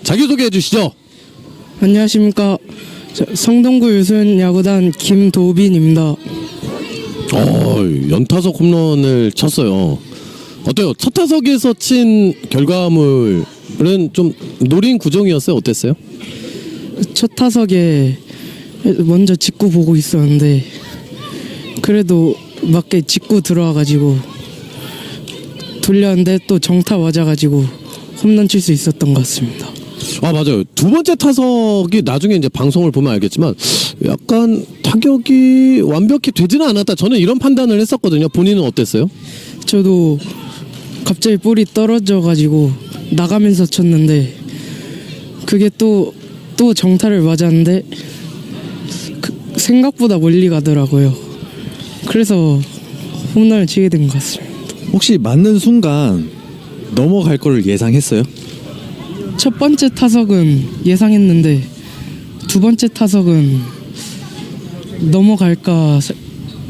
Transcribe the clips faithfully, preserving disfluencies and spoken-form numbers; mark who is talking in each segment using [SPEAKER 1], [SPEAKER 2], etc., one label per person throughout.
[SPEAKER 1] 자기소개해 주시죠.
[SPEAKER 2] 안녕하십니까. 저, 성동구 유소년 야구단 김도빈입니다.
[SPEAKER 1] 어, 연타석 홈런을 쳤어요. 어때요? 첫 타석에서 친 결과물은 좀 노린 구종이었어요? 어땠어요?
[SPEAKER 2] 첫 타석에 먼저 직구 보고 있었는데 그래도 맞게 직구 들어와가지고 돌렸는데 또 정타 맞아가지고 홈런 칠 수 있었던 것 같습니다.
[SPEAKER 1] 아, 맞아요. 두 번째 타석이 나중에 이제 방송을 보면 알겠지만 약간 타격이 완벽히 되지는 않았다. 저는 이런 판단을 했었거든요. 본인은 어땠어요?
[SPEAKER 2] 저도 갑자기 볼이 떨어져가지고 나가면서 쳤는데 그게 또, 또 정타를 맞았는데 그 생각보다 멀리 가더라고요. 그래서 홈런을 치게 된 것 같습니다.
[SPEAKER 3] 혹시 맞는 순간 넘어갈 거를 예상했어요?
[SPEAKER 2] 첫 번째 타석은 예상했는데 두 번째 타석은 넘어갈까 세-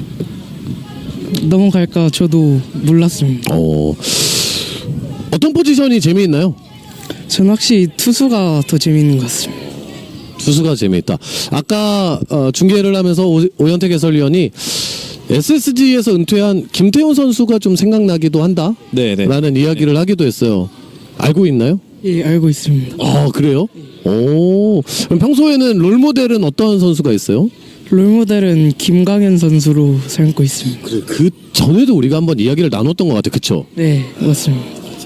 [SPEAKER 2] 넘어갈까 저도 몰랐습니다.
[SPEAKER 1] 어, 어떤 포지션이 재미있나요?
[SPEAKER 2] 전 확실히 투수가 더 재밌는 것 같습니다.
[SPEAKER 1] 투수가 재미있다. 아까 어, 중계를 하면서 오, 오현택 해설위원이 에스에스지에서 은퇴한 김태훈 선수가 좀 생각나기도 한다
[SPEAKER 3] 네, 네.
[SPEAKER 1] 라는 이야기를 하기도 했어요. 알고 있나요?
[SPEAKER 2] 예, 알고 있습니다.
[SPEAKER 1] 아, 그래요? 오, 그럼 평소에는 롤모델은 어떤 선수가 있어요?
[SPEAKER 2] 롤모델은 김강현 선수로 삼고 있습니다.
[SPEAKER 1] 그래, 그 전에도 우리가 한번 이야기를 나눴던 것 같아요. 그쵸?
[SPEAKER 2] 네, 맞습니다.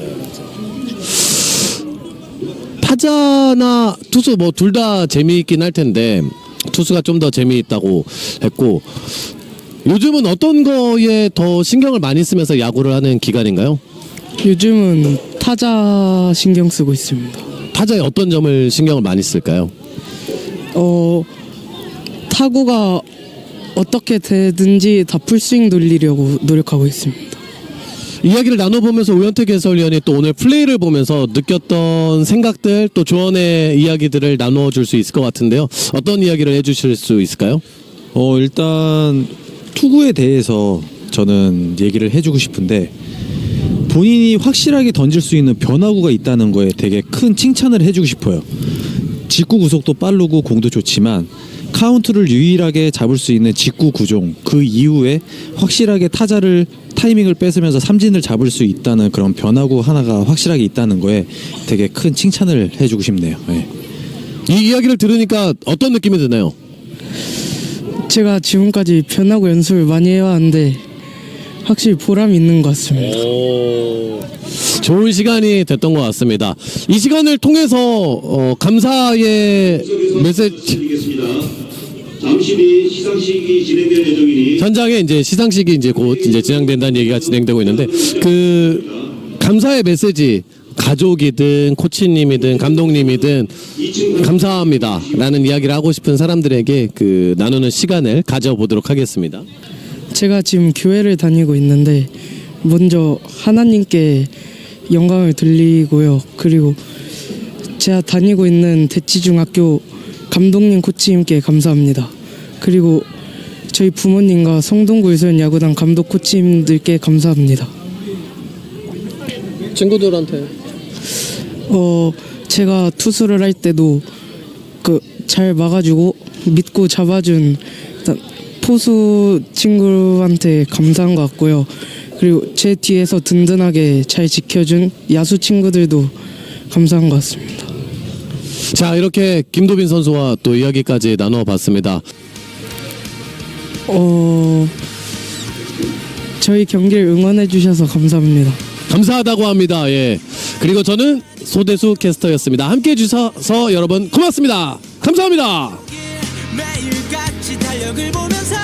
[SPEAKER 1] 타자나 투수 뭐 둘 다 재미있긴 할 텐데 투수가 좀 더 재미있다고 했고, 요즘은 어떤 거에 더 신경을 많이 쓰면서 야구를 하는 기간인가요?
[SPEAKER 2] 요즘은 타자 신경 쓰고 있습니다.
[SPEAKER 1] 타자의 어떤 점을 신경을 많이 쓸까요?
[SPEAKER 2] 어, 타구가 어떻게 되든지 다 풀스윙 돌리려고 노력하고 있습니다.
[SPEAKER 1] 이야기를 나눠보면서 오현택 해설위원이 또 오늘 플레이를 보면서 느꼈던 생각들, 또 조언의 이야기들을 나눠줄 수 있을 것 같은데요. 어떤 이야기를 해주실 수 있을까요?
[SPEAKER 3] 어 일단 투구에 대해서 저는 얘기를 해주고 싶은데, 본인이 확실하게 던질 수 있는 변화구가 있다는 거에 되게 큰 칭찬을 해주고 싶어요. 직구 구속도 빠르고 공도 좋지만 카운트를 유일하게 잡을 수 있는 직구 구종, 그 이후에 확실하게 타자를 타이밍을 뺏으면서 삼진을 잡을 수 있다는 그런 변화구 하나가 확실하게 있다는 거에 되게 큰 칭찬을 해주고 싶네요. 네.
[SPEAKER 1] 이 이야기를 들으니까 어떤 느낌이 드나요?
[SPEAKER 2] 제가 지금까지 변화구 연습을 많이 해왔는데 확실히 보람이 있는 것 같습니다.
[SPEAKER 1] 좋은 시간이 됐던 것 같습니다. 이 시간을 통해서 어, 감사의 메시지,
[SPEAKER 4] 드리겠습니다. 잠시 뒤 시상식이 진행될 예정이니
[SPEAKER 1] 현장에 이제 시상식이 이제 곧 이제 진행된다는 얘기가 진행되고 있는데, 그 감사의 메시지, 가족이든 코치님이든 감독님이든 감사합니다라는 이야기를 하고 싶은 사람들에게 그 나누는 시간을 가져보도록 하겠습니다.
[SPEAKER 2] 제가 지금 교회를 다니고 있는데 먼저 하나님께 영광을 돌리고요. 그리고 제가 다니고 있는 대치중학교 감독님 코치님께 감사합니다. 그리고 저희 부모님과 성동구 유소년 야구단 감독 코치님들께 감사합니다.
[SPEAKER 1] 친구들한테
[SPEAKER 2] 어 제가 투수를 할 때도 그 잘 막아주고 믿고 잡아준 일단 포수 친구한테 감사한 것 같고요. 그리고 제 뒤에서 든든하게 잘 지켜준 야수 친구들도 감사한 것 같습니다.
[SPEAKER 1] 자, 이렇게 김도빈 선수와 또 이야기까지 나눠봤습니다.
[SPEAKER 2] 어 저희 경기를 응원해 주셔서 감사합니다.
[SPEAKER 1] 감사하다고 합니다. 예. 그리고 저는 소대수 캐스터였습니다. 함께해 주셔서 여러분 고맙습니다. 감사합니다.
[SPEAKER 5] 매일같이 달력을 보면서